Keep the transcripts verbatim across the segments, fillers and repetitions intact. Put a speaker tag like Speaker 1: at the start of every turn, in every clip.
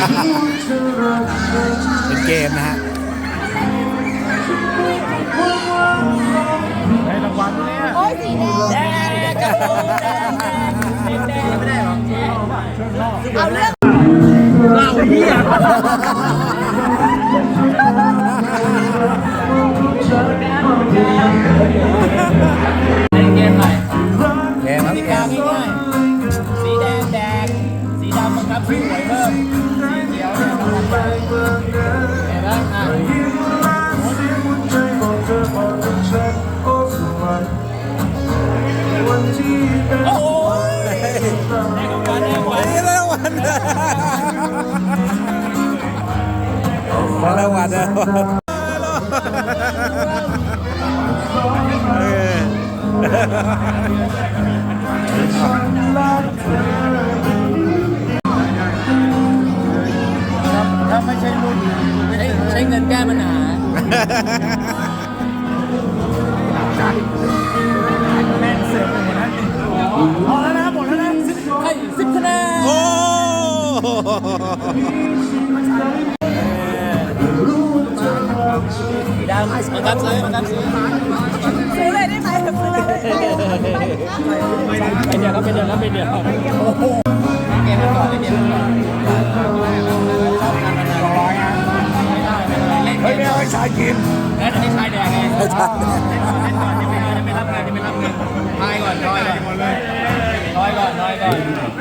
Speaker 1: เป็นเกมนะฮะ
Speaker 2: ได้รางวัลเนี่ย
Speaker 3: โอ้ยสีแดงแดงกระโปรงแดงแดงแดงไม่ได้หรอเอาเรื่อง
Speaker 2: เล่าเฮีย
Speaker 3: เกมหน่อย
Speaker 1: เกมครับ
Speaker 3: สีแดงง่ายๆสีแดงแดงสีดำบังคับสีหวยเพิ่มสีเขียวเนี่ยบังคับไปเห็นไหมอ่ะโอ้ยได้รางวัลได้รางวัล
Speaker 1: ได้รางวัลได้รางวัลได้รางวัล
Speaker 2: ถ้าไม่ใช่รุ่น
Speaker 3: ใช้ใช้เงินแก้ปัญหา
Speaker 2: แม่งเสร็จหมดแล้วพอแล้วนะหมดแล้วนะสิบ
Speaker 3: ให้สิบคะแนน
Speaker 1: โอ้
Speaker 3: สีดำบังคับซื้อบังคับซื้อซื้อเลยได้ไหมซื้อเลยเป็นเดียวครับเป็นเดียวครับเป็นเดียวโอ้โหเกมมันก่อนเล่นเกมมันก่อนชอบการพนันร้อยอ่ะไม่ได้ไม่ได้เล่นเฮ้ยไม่เอาไอ้ชายกินแล้วไอ้ชายแดงไงไอ้ชายแดงเล่นก่อนเล่นก่อนจะไม่จะไม่รับงานจะไม่รับเงินทายก่อนทายก่อนทายก่อนทายก่อน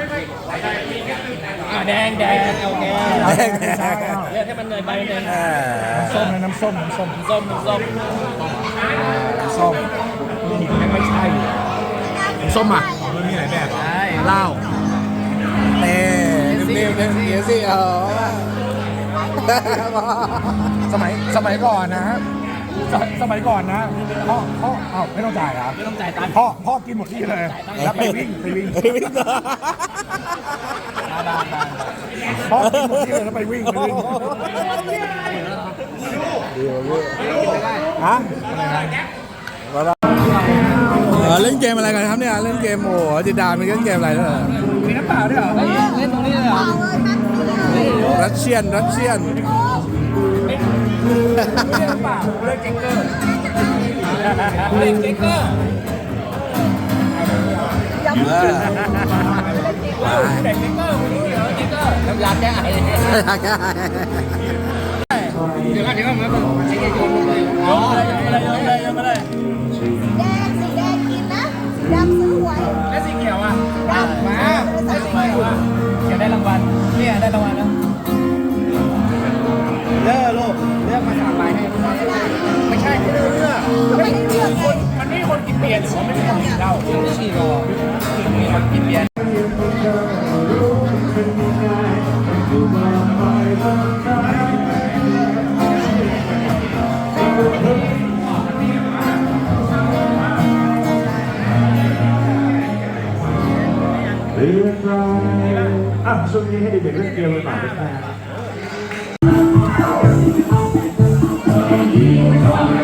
Speaker 3: อ่ะแดงแดงโอเคแดงแดงเรียกให้มันเลยไปเลย
Speaker 2: ส้มน้ำส้มน้ำส้ม
Speaker 3: ส้มส้ม
Speaker 2: ส้มนี่ไม่ใช่ส้มอ่ะมันมีหลายแบบเหล้า
Speaker 1: เต้เร็วเร็วเดี๋ยวสิเออ
Speaker 2: สมัยสมัยก่อนนะสมัยก่อนนะพ่อพ่อเอ้าไม่ต้องจ่ายครับ
Speaker 3: ไม่ต้องจ่ายตังค์
Speaker 2: พ่อพ่อกินหมดที่เลยแล้วไปวิ่งไปวิ่งพ่อกินหมดที่เลยแล้วไปวิ่งไปวิ่งฮะ
Speaker 1: เล่นเกมอะไรกันครับเนี่ยเล่นเกมโอ้จิดามันเล่นเกมอะไรเนี่ย
Speaker 2: มีน้ำเปล่าด้วยเหรอ
Speaker 3: เล่นตรงนี้เลยเหรอ
Speaker 1: รัสเซียนรัสเซียน
Speaker 2: เล่นน้ำเปล่าเล่นเกมเกอร์
Speaker 3: เล่นเกมเกอร์
Speaker 1: เออ
Speaker 3: เล่นเกมเกอร์ไม่รู้เหรอเกมเกอร์น้ำยาแก้ไอเดี๋ยวกันเดี๋ยวกันมาใช้เกมโยนเลยโยนอะไรโยนอะไรโยนอะไรโยนอะไร
Speaker 4: แดงสีแดงกินนะสีดำซื้อหวย
Speaker 3: แล้วสีเขียวอ่ะมาได้สีเขียวอ่ะเขียวได้รางวัลเนี่ยได้รางวัลนะเลือกลูกเลือกมาสามใบให้ไม่ใช่ไม่เลือกไม่เลือกคนมันไม่มีคนกินเบียร์หรือว่าไม่มีคนกินเหล้าไม่ฉี่หรอกมีคนกินเบียร์
Speaker 2: เรียบร้อยอ่ะช่วงนี้ให้เด็กๆเล่นเกมกันหน่อยนะครับ